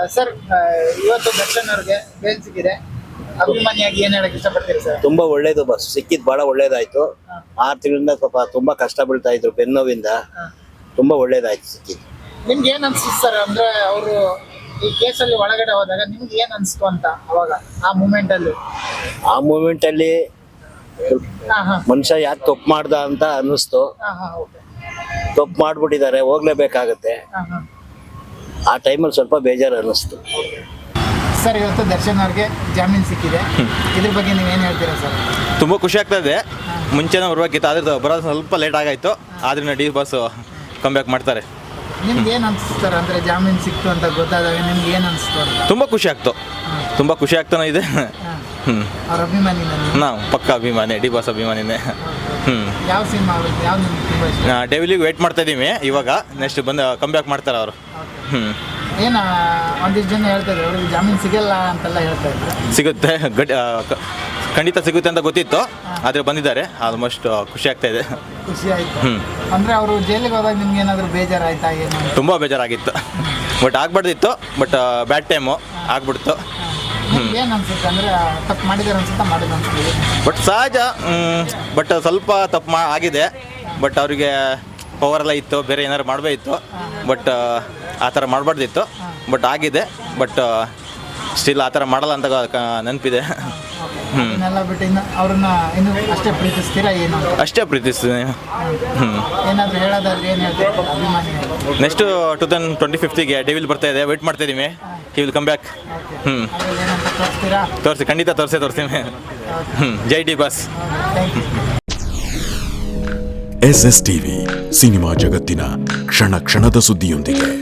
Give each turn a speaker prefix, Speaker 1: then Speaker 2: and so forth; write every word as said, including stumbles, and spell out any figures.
Speaker 1: Sir ಇವತ್ತು ದರ್ಶನ್ ಅವ್ರಿಗೆ bale ಸಿಕ್ಕಿದೆ, ಅಭಿಮಾನಿಯಾಗಿ ಏನ್ ಹೇಳಕ್ ಇಷ್ಟಪಡ್ತೀರಿ ಸರ್?
Speaker 2: ತುಂಬಾ ಒಳ್ಳೇದು ಬಸ್ ಸಿಕ್ಕಿದ್ ಬಹಳ ಒಳ್ಳೇದಾಯ್ತು. ಆರು ತಿಂಗಳಿಂದ ಪಾಪ ತುಂಬಾ ಕಷ್ಟ ಬೀಳ್ತಾ ಇದ್ರು ಬೆನ್ನೋವಿಂದ. ತುಂಬಾ ಒಳ್ಳೇದಾಯ್ತು ಸಿಕ್ಕಿದ್ದು.
Speaker 1: ನಿಮ್ಗೆ ಏನ್ ಅನ್ಸುತ್ತೆ ಸರ್? ಅಂದ್ರೆ ಅವರು ಈ ಕೇಸಲ್ಲಿ ಒಳಗಡೆ ಹೋದಾಗ ನಿಮ್ಗೆ ಏನ್ ಅನ್ಸ್ತು ಅಂತ ಅವಾಗ ಆ ಮೂಮೆಂಟ್ ಅಲ್ಲಿ?
Speaker 2: ಆ ಮೂಮೆಂಟ್ ಅಲ್ಲಿ
Speaker 1: ಹಾ ಹಾ
Speaker 2: ಮನುಷ್ಯ ಯಾಕೆ ತಪ್ಪು ಮಾಡ್ದ ಅಂತ ಅನ್ನಿಸ್ತು.
Speaker 1: ಹಾ ಹಾ ಓಕೆ.
Speaker 2: ತಪ್ಪು ಮಾಡ್ಬಿಟ್ಟಿದ್ದಾರೆ, ಹೋಗ್ಲೇಬೇಕಾಗತ್ತೆ.
Speaker 1: ಹಾ ಹಾ
Speaker 2: ಆ ಟೈಮಲ್ಲಿ ಸ್ವಲ್ಪ ಬೇಜಾರು ಅನ್ನಿಸ್ತು.
Speaker 1: ಸರ್ ಇವತ್ತು ದರ್ಶನ್ ಅವ್ರಿಗೆ ಜಾಮೀನು ಸಿಕ್ಕಿದೆ, ಇದ್ರ ಬಗ್ಗೆ ನೀವೇನು ಹೇಳ್ತೀರಾ ಸರ್?
Speaker 3: ತುಂಬ ಖುಷಿ ಆಗ್ತಾ ಇದೆ. ಮುಂಚೆನೇ ಬರಬೇಕಿತ್ತು, ಆದ್ರೆ ಬರೋದು ಸ್ವಲ್ಪ ಲೇಟ್ ಆಗಾಯಿತು. ಆದ್ರೂ ಡಿ ಬಾಸ್ ಕಮ್ ಬ್ಯಾಕ್ ಮಾಡ್ತಾರೆ.
Speaker 1: ನಿಮ್ಗೆ ಏನು ಅನಿಸ್ತು ಸರ್? ಅಂದರೆ ಜಾಮೀನು ಸಿಕ್ತು ಅಂತ ಗೊತ್ತಾದಾಗ ನಿಮ್ಗೆ ಏನು ಅನಿಸ್ತು ಅಂತ?
Speaker 3: ತುಂಬ ಖುಷಿ ಆಗ್ತು, ತುಂಬ ಖುಷಿ ಆಗ್ತಾನೆ ಇದೆ. ಹ್ಞೂ
Speaker 1: ಅವ್ರ ಅಭಿಮಾನಿ ನಾನು
Speaker 3: ನಾವು ಪಕ್ಕ ಅಭಿಮಾನಿ, ಡಿ ಬಾಸ್ ಅಭಿಮಾನಿನೇ. ಹ್ಞೂ
Speaker 1: ಯಾವ ಸಿನಿಮಾ ಯಾವ ನಿಮ್ಗೆ ತುಂಬ ಇಷ್ಟ?
Speaker 3: ಡೆವಿಲಿಗೆ ವೇಟ್ ಮಾಡ್ತಾ ಇದ್ದೀವಿ. ಇವಾಗ ನೆಕ್ಸ್ಟ್ ಬಂದು ಕಮ್ ಬ್ಯಾಕ್ ಮಾಡ್ತಾರೆ ಅವರು. ಹ್ಞೂ
Speaker 1: ಏನು ಒಂದಿಷ್ಟು ಜನ ಹೇಳ್ತಾ ಇದ್ರು ಅವ್ರಿಗೆ ಜಾಮೀನು ಸಿಗಲ್ಲ ಅಂತೆಲ್ಲ ಹೇಳ್ತಾ ಇದ್ರು.
Speaker 3: ಸಿಗುತ್ತೆ, ಗಡ್ ಖಂಡಿತ ಸಿಗುತ್ತೆ ಅಂತ ಗೊತ್ತಿತ್ತು, ಆದರೆ ಬಂದಿದ್ದಾರೆ. ಆಲ್ಮೋಸ್ಟ್ ಖುಷಿ ಆಗ್ತಾ ಇದೆ.
Speaker 1: ಖುಷಿ ಆಯಿತು.
Speaker 3: ಹ್ಞೂ
Speaker 1: ಅಂದರೆ ಅವರು ಜೈಲಿಗೆ ಹೋದಾಗ ನಿಮ್ಗೆ ಏನಾದರೂ ಬೇಜಾರಾಯ್ತಾ ಏನು?
Speaker 3: ತುಂಬ ಬೇಜಾರಾಗಿತ್ತು, ಬಟ್ ಆಗ್ಬಾರ್ದಿತ್ತು. ಬಟ್ ಬ್ಯಾಡ್ ಟೈಮು ಆಗ್ಬಿಡ್ತು.
Speaker 1: ಏನು ಅನ್ಸುತ್ತೆ ಅಂದರೆ ತಪ್ಪು ಮಾಡಿದಾರೆ ಅನ್ಸುತ್ತಾ ಮಾಡಿದ ಅನ್ಸುತ್ತೆ?
Speaker 3: ಬಟ್ ಸಹಜ. ಬಟ್ ಸ್ವಲ್ಪ ತಪ್ಪು ಮಾ ಆಗಿದೆ. ಬಟ್ ಅವರಿಗೆ ಪವರೆಲ್ಲ ಇತ್ತು, ಬೇರೆ ಏನಾದ್ರು ಮಾಡಬೇಕಿತ್ತು. ಬಟ್ ಆ ಥರ ಮಾಡಬಾರ್ದಿತ್ತು. ಬಟ್ ಆಗಿದೆ. ಬಟ್ ಸ್ಟಿಲ್ ಆ ಥರ ಮಾಡಲ್ಲ ಅಂತ ನೆನಪಿದೆ. ಹ್ಞೂ
Speaker 1: ಇದನ್ನೆಲ್ಲ ಬಿಟ್ಟು ಇನ್ನು ಅವ್ರನ್ನ ಇನ್ನು ಅಷ್ಟೇ ಪ್ರೀತಿಸ್ತೀರಾ ಏನು?
Speaker 3: ಅಷ್ಟೇ ಪ್ರೀತಿಸ್ತೀನಿ. ಹ್ಞೂ
Speaker 1: ಏನಾದರೂ ಹೇಳೋದಾದ್ರೆ ಏನು ಹೇಳ್ತೀರಾ ಅಭಿಮಾನಿ?
Speaker 3: ನೆಕ್ಸ್ಟು ಟೂ ತೌಸಂಡ್ ಟ್ವೆಂಟಿ ಫಿಫ್ತಿಗೆ ಡೆವಿಲ್ ಬರ್ತಾ ಇದೆ, ವೆಯ್ಟ್ ಮಾಡ್ತಾ ಇದ್ದೀವಿ. He will come back. ಹ್ಞೂ
Speaker 1: ಏನಂತ ತೋರಿಸ್ತೀರಾ?
Speaker 3: ತೋರಿಸಿ, ಖಂಡಿತ ತೋರಿಸೇ ತೋರಿಸ್ತೀವಿ. ಹ್ಞೂ ಜೈ D boss.
Speaker 1: Thank you.
Speaker 4: S S TV cinema ಜಗತ್ತಿನ ಕ್ಷಣ ಕ್ಷಣದ ಸುದ್ದಿಯೊಂದಿಗೆ.